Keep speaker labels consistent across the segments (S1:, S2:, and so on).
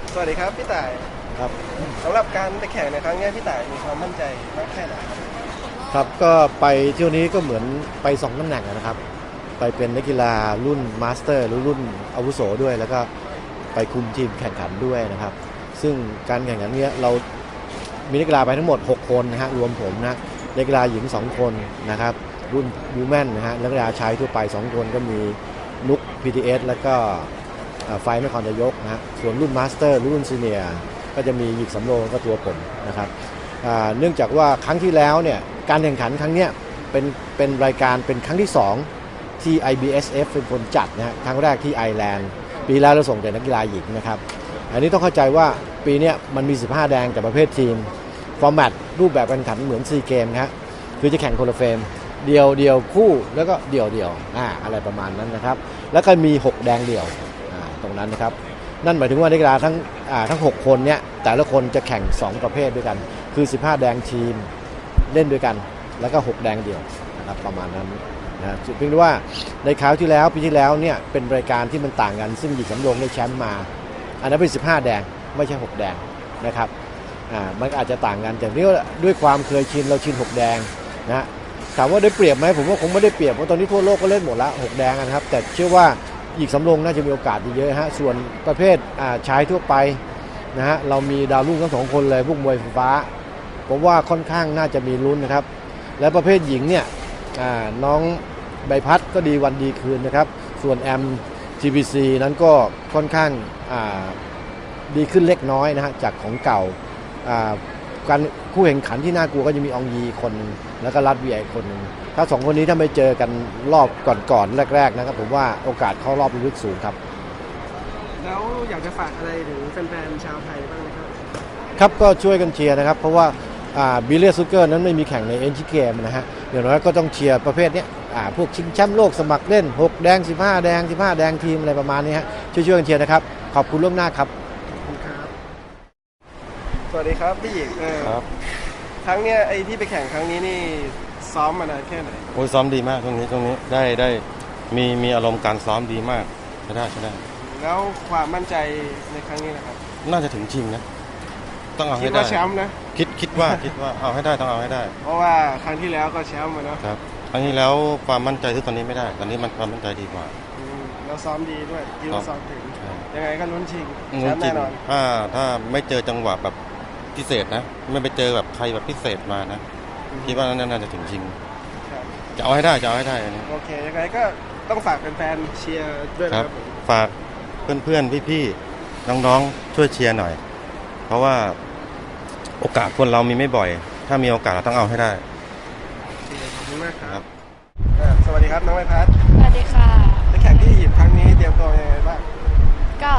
S1: สวัสดีครับพี่ต่าย
S2: ครับ
S1: สำหรับการไปแข่งในครั้งนี้พี่ต่ายมีความมั่นใจมากแค่ไหนครับ
S2: ครับก็ไปเที่ยวนี้ก็เหมือนไป2ตำแหน่งนะครับไปเป็นนักกีฬารุ่นมาสเตอร์หรือรุ่นอาวุโสด้วยแล้วก็ไปคุมทีมแข่งขันด้วยนะครับซึ่งการแข่งขันนี้เรามีนักกีฬาไปทั้งหมด6คนนะฮะรวมผมนะนักกีฬาหญิง2คนนะครับรุ่นวูแมนนะฮะนักกีฬาชายทั่วไป2คนก็มีนุก PTS แล้วก็ไฟนครนายกนะฮะส่วนรุ่นมาสเตอร์รุ่นซีเนียร์ก็จะมีหยิกสำโรงก็ตัวผมนะครับเนื่องจากว่าครั้งที่แล้วเนี่ยการแข่งขันครั้งนี้เป็นรายการเป็นครั้งที่2ที่ IBSF เป็นคนจัดนะฮะครั้งแรกที่ไอร์แลนด์ปีแล้วเราส่งแต่นักกีฬาหญิงนะครับอันนี้ต้องเข้าใจว่าปีนี้มันมี15แดงแต่ประเภททีมฟอร์แมตรูปแบบการแข่งขันเหมือนซีเกมครับคือจะแข่งคนละเฟรมเดียวคู่แล้วก็เดี่ยวอะไรประมาณนั้นนะครับแล้วก็มี6แดงเดี่ยวตรงนั้นนะครับนั่นหมายถึงว่านักกีฬาทั้ง6คนเนี่ยแต่ละคนจะแข่ง2ประเภทด้วยกันคือ15แดงทีมเล่นด้วยกันแล้วก็6แดงเดี่ยวนะครับประมาณนั้นนะเพียงแต่ว่าในคราวที่แล้วปีที่แล้วเนี่ยเป็นรายการที่มันต่างกันซึ่งหยิกสำโรงได้แชมป์มาอันนั้นเป็น15แดงไม่ใช่6แดงนะครับมันอาจจะต่างกันแต่นี่ด้วยความเคยชินเราชิน6แดงนะถามว่าได้เปรียบไหมผมว่าคงไม่ได้เปรียบเพราะตอนนี้ทั่วโลกก็เล่นหมดละ6แดงนะครับแต่เชื่อว่าหยิกสำโรงน่าจะมีโอกาสเยอะฮะส่วนประเภทชายทั่วไปนะฮะเรามีดาวรุ่งทั้ง2คนเลยพวกมวยไฟฟ้าผมว่าค่อนข้างน่าจะมีลุ้นนะครับและประเภทหญิงเนี่ยน้องใบพัดก็ดีวันดีคืนนะครับส่วนแอม GBC นั้นก็ค่อนข้างดีขึ้นเล็กน้อยนะฮะจากของเก่าการคู่แข่งขันที่น่ากลัวก็จะมีอองยีคนนึงแล้วก็รัดเวียอีกคนนึงถ้า2คนนี้ถ้าไม่เจอกันรอบก่อนแรกๆนะครับผมว่าโอกาสเข้ารอบลึกสูงครับ
S1: แล้วอยากจะฝากอะไรถึงแฟนๆชาวไทยบ้างไหมครับ
S2: ครับก็ช่วยกันเชียร์นะครับเพราะว่าบิลเลียซูเกอร์นั้นไม่มีแข่งในเอ็นจีเกมนะฮะอย่างน้อยก็ต้องเชียร์ประเภทนี้พวกชิงแชมป์โลกสมัครเล่น6แดง15แดง15แดงทีมอะไรประมาณนี้ฮะช่วยกันเชียร์นะครับขอบคุณล่วงหน้าครับ
S1: ขอบคุณครับสวัสดีครับพี่หญิง
S3: ครับ
S1: ครั้งเนี้ยไอ้ที่ไปแข่งครั้งนี้นี่ซ้อมมานานแค่ไหน
S3: โอ้ยซ้อมดีมากช่วงนี้ได้มีอารมณ์การซ้อมดีมากใช่ได้
S1: แล้วความมั่นใจในครั้งนี้นะครับ
S3: น่าจะถึงชิงนะต้องเอา
S1: คิด
S3: ให้ได้
S1: ว่าแชมป์นะ
S3: คิดว่าเอาให้ได้ต้องเอาให้ได้
S1: เพราะว่าครั้งที่แล้วก็แชมป์มาเนาะ
S3: ครับครั้งนี้แล้วความมั่นใจที่ตอนนี้ไม่ได้ตอนนี้มันความมั่นใจดีกว่า
S1: เราซ้อมดีด้วยคิดว่าซ้อมถึง
S3: ใช่
S1: ยังไงก็ลุ้นชิงแชมป์
S3: จริง
S1: แน่นอน
S3: ถ้าไม่เจอจังหวะแบบพิเศษนะไม่ไปเจอแบบใครแบบพิเศษมานะคิดว่าน่าจะถึงชิง
S1: ครับ
S3: จะเอาให้ได้อันนี้
S1: โอเคยังไงก็ต้องฝากแฟนๆเชียร์ด้วยนะครับผม
S3: ฝากเพื่อนพี่ๆน้องๆช่วยเชียร์หน่อยเพราะว่าโอกาสคนเรามีไม่บ่อยถ้ามีโอกาสเราต้องเอาให้ได้
S1: ขอบคุณมากครับสวัสดีครับน้องไมพัฒน์
S4: สวัสดีค่ะ
S1: ไปแข่งที่อียิปต์ครั้งนี้เตรียมตัวยังไงบ้าง
S4: ก็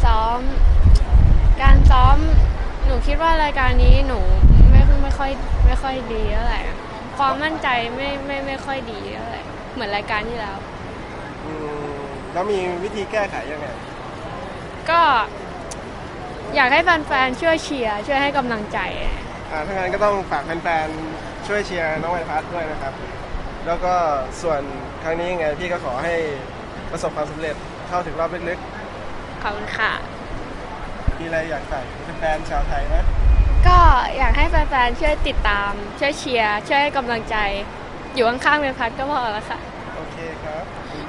S4: การซ้อมหนูคิดว่ารายการนี้หนูไม่ค่อยดีเท่าไหร่ความมั่นใจไม่ค่อยดีเท่าไหร่เหมือนรายการที่แล้ว
S1: แล้วมีวิธีแก้ไขยังไง
S4: ก็อยากให้แฟนๆช่วยเชียร์ช่วยให้กำลังใจ
S1: ถ้างั้นก็ต้องฝากแฟนๆช่วยเชียร์น้องไมพัฒน์ด้วยนะครับแล้วก็ส่วนครั้งนี้ยังไงพี่ก็ขอให้ประสบความสำเร็จเข้าถึงรอบลึก
S4: ขอบคุณค่ะ
S1: ๆมีอะไรอยากฝากแฟนๆชาวไทยนะ
S4: ก็อยากให้แฟนๆช่วยติดตามช่วยเชียร์ช่วยให้กำลังใจอยู่ข้างๆเมพัฒน์ก็พอแล้วค่ะ
S1: โอเคครับ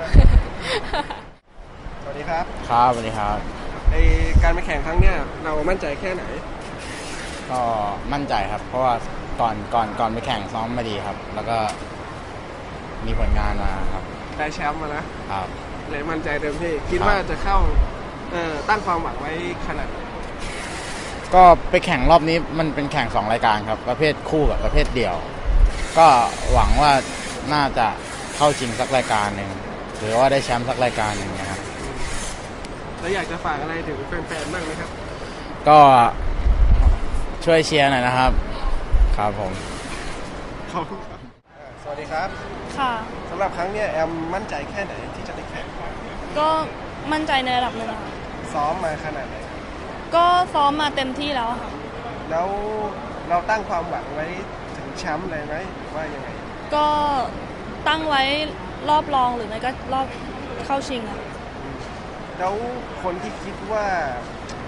S1: สวัสดีครับ
S5: ครับสวัสดีครับ
S1: การไปแข่งครั้งเนี้ยเรามั่นใจแค่ไหน
S5: ก็มั่นใจครับเพราะว่าก่อนไปแข่งซ้อมมาดีครับแล้วก็มีผลงานมาครับ
S1: ได้แชมป์มานะครับเลยมั่นใจเต็มที่คิดว่าจะเข้าตั้งความหวังไว้ขนาดไหน
S5: ก็ไปแข่งรอบนี้มันเป็นแข่ง2รายการครับประเภทคู่กับประเภทเดี่ยวก็หวังว่าน่าจะเข้าชิงสักรายการหนึ่งหรือว่าได้แชมป์สักรายการหนึ่งนะครับ
S1: แล้วอยากจะฝากอะไรถึงแฟนๆบ้างไหมครับ
S5: ก็ช่วยเชียร์หน่อยนะครับครับผม
S1: ขอบคุณครับสวัสดีครับ
S6: ค่ะ
S1: สำหรับครั้งนี้แอมมั่นใจแค่ไหนที่จะได้แข่ง
S6: ก็มั่นใจในระดับหนึ่งค่ะ
S1: ซ้อมมาขนาดไหน
S6: ก็ซ้อมมาเต็มที่แล้วค่ะ
S1: แล้วเราตั้งความหวังไว้ถึงแชมป์เลยไหมหรือว่ายังไง
S6: ก็ตั้งไว้รอบรองหรือไม่ก็รอบเข้าชิงค่ะ
S1: แล้วคนที่คิดว่า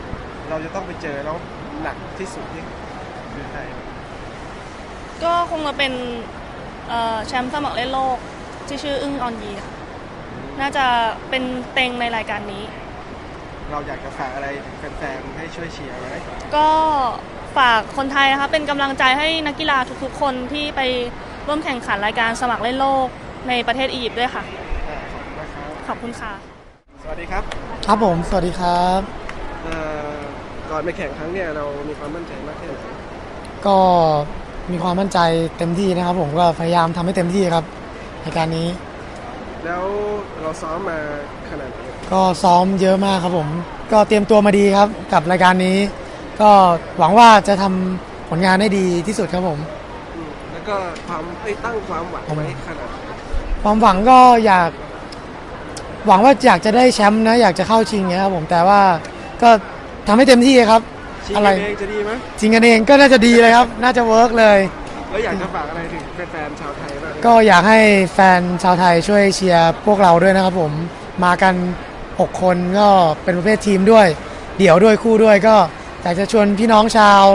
S1: เราจะต้องไปเจอแล้วหนักที่สุดที่คือใคร
S6: ก็คงจะเป็นแชมป์สมัครเล่นโลกที่ชื่ออึ้งออนยีค่ะน่าจะเป็นเต็งในรายการนี้
S1: เราอยากจะฝากอะไรถึงแฟนๆให้ช่วยเชียร์ไหม
S6: ก็ฝากคนไทยนะคะเป็นกำลังใจให้นักกีฬาทุกๆคนที่ไปร่วมแข่งขันรายการสมัครเล่นโลกในประเทศอียิปต์ด้วยค่ะ
S1: ขอบคุณนะครับ
S6: ขอบคุณค่ะ
S1: สวัสดีครับ
S7: ครับผมสวัสดีครับ
S1: ก่อนไปแข่งครั้งเนี่ยเรามีความมั่นใจมากแค่ไหน
S7: ก็มีความมั่นใจเต็มที่นะครับผมก็พยายามทำให้เต็มที่ครับในการนี้
S1: แล้วเราซ้อมมาขนาดไหน
S7: ก็ซ้อมเยอะมากครับผมก็เตรียมตัวมาดีครับกับรายการนี้ ก็หวังว่าจะทำผลงานได้ดีที่สุดครับผม
S1: แล้วก็ตั้งความหวังไว้ขนาดไหน
S7: ความหวังก็หวังว่าอยากจะได้แชมป์นะอยากจะเข้าชิงเงี้ยครับผมแต่ว่าก็ทำให้เต็มที่ครับ
S1: ชิง
S7: อะไร
S1: กันเองจะดีไหม
S7: ชิงกันเองก็น่าจะดีเลยครับน่าจะเวิร์กเลย
S1: แล้วอยากจะฝากอะไรถึงแฟนๆชาวไทยบ้าง
S7: ก็อยากให้แฟนชาวไทยช่วยเชียร์พวกเราด้วยนะครับผมมากัน 6 คนก็เป็นประเภททีมด้วยเดี่ยวด้วยคู่ด้วยก็อยากจะชวนพี่น้องชาว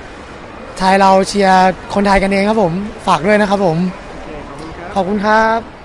S7: ไทยเราเชียร์คนไทยกันเองครับผมฝากด้วยนะครับผม
S1: โอเคขอบคุณครับ
S7: ขอบคุณครับ